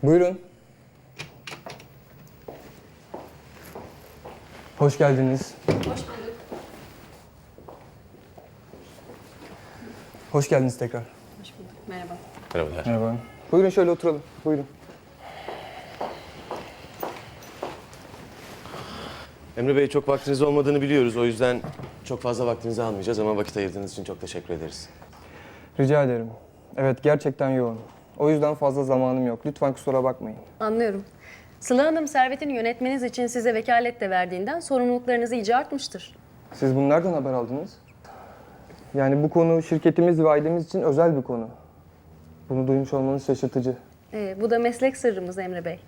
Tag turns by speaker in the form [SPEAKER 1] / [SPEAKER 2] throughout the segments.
[SPEAKER 1] Buyurun. Hoş geldiniz.
[SPEAKER 2] Hoş bulduk.
[SPEAKER 1] Hoş geldiniz tekrar.
[SPEAKER 2] Hoş bulduk. Merhaba.
[SPEAKER 3] Merhabalar.
[SPEAKER 1] Merhaba. Buyurun şöyle oturalım. Buyurun.
[SPEAKER 3] Emre Bey, çok vaktiniz olmadığını biliyoruz. O yüzden çok fazla vaktinizi almayacağız ama vakit ayırdığınız için çok teşekkür ederiz.
[SPEAKER 1] Rica ederim. Evet, gerçekten yoğun. O yüzden fazla zamanım yok. Lütfen kusura bakmayın.
[SPEAKER 2] Anlıyorum. Sıla Hanım servetini yönetmeniz için size vekalet de verdiğinden sorumluluklarınız iyice artmıştır.
[SPEAKER 1] Siz bunu nereden haber aldınız? Yani bu konu şirketimiz ve ailemiz için özel bir konu. Bunu duymuş olmanız şaşırtıcı.
[SPEAKER 2] Bu da meslek sırrımız Emre Bey.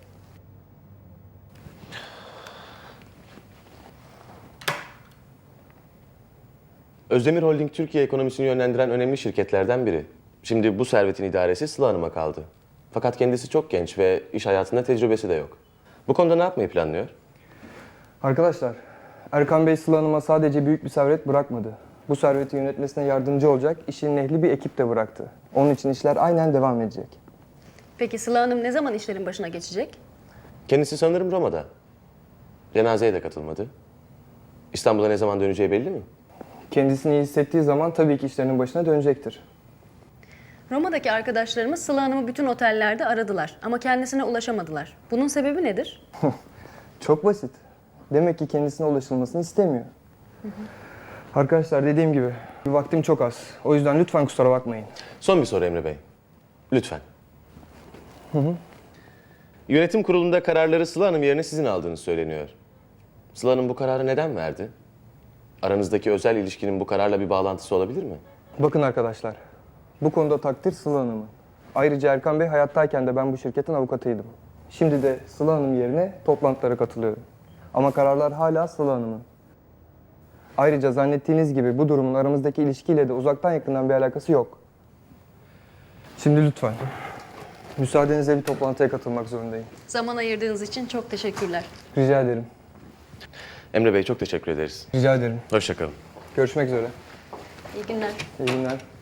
[SPEAKER 3] Özdemir Holding Türkiye ekonomisini yönlendiren önemli şirketlerden biri. Şimdi bu servetin idaresi Sıla Hanım'a kaldı. Fakat kendisi çok genç ve iş hayatında tecrübesi de yok. Bu konuda ne yapmayı planlıyor?
[SPEAKER 1] Arkadaşlar, Erkan Bey Sıla Hanım'a sadece büyük bir servet bırakmadı. Bu serveti yönetmesine yardımcı olacak işin ehli bir ekip de bıraktı. Onun için işler aynen devam edecek.
[SPEAKER 2] Peki Sıla Hanım ne zaman işlerin başına geçecek?
[SPEAKER 3] Kendisi sanırım Roma'da. Cenazeye de katılmadı. İstanbul'a ne zaman döneceği belli mi?
[SPEAKER 1] Kendisini iyi hissettiği zaman tabii ki işlerinin başına dönecektir.
[SPEAKER 2] Roma'daki arkadaşlarımız Sıla Hanım'ı bütün otellerde aradılar ama kendisine ulaşamadılar. Bunun sebebi nedir?
[SPEAKER 1] Çok basit. Demek ki kendisine ulaşılmasını istemiyor. Arkadaşlar dediğim gibi vaktim çok az. O yüzden lütfen kusura bakmayın.
[SPEAKER 3] Son bir soru Emre Bey. Lütfen. Yönetim kurulunda kararları Sıla Hanım yerine sizin aldığınız söyleniyor. Sıla Hanım bu kararı neden verdi? Aranızdaki özel ilişkinin bu kararla bir bağlantısı olabilir mi?
[SPEAKER 1] Bakın arkadaşlar, bu konuda takdir Sıla Hanım'ın. Ayrıca Erkan Bey hayattayken de ben bu şirketin avukatıydım. Şimdi de Sıla Hanım yerine toplantılara katılıyorum. Ama kararlar hala Sıla Hanım'ın. Ayrıca zannettiğiniz gibi bu durumun aramızdaki ilişkiyle de uzaktan yakından bir alakası yok. Şimdi lütfen, müsaadenizle bir toplantıya katılmak zorundayım.
[SPEAKER 2] Zaman ayırdığınız için çok teşekkürler.
[SPEAKER 1] Rica ederim.
[SPEAKER 3] Emre Bey çok teşekkür ederiz.
[SPEAKER 1] Rica ederim.
[SPEAKER 3] Hoşça kalın.
[SPEAKER 1] Görüşmek üzere.
[SPEAKER 2] İyi günler.
[SPEAKER 1] İyi günler.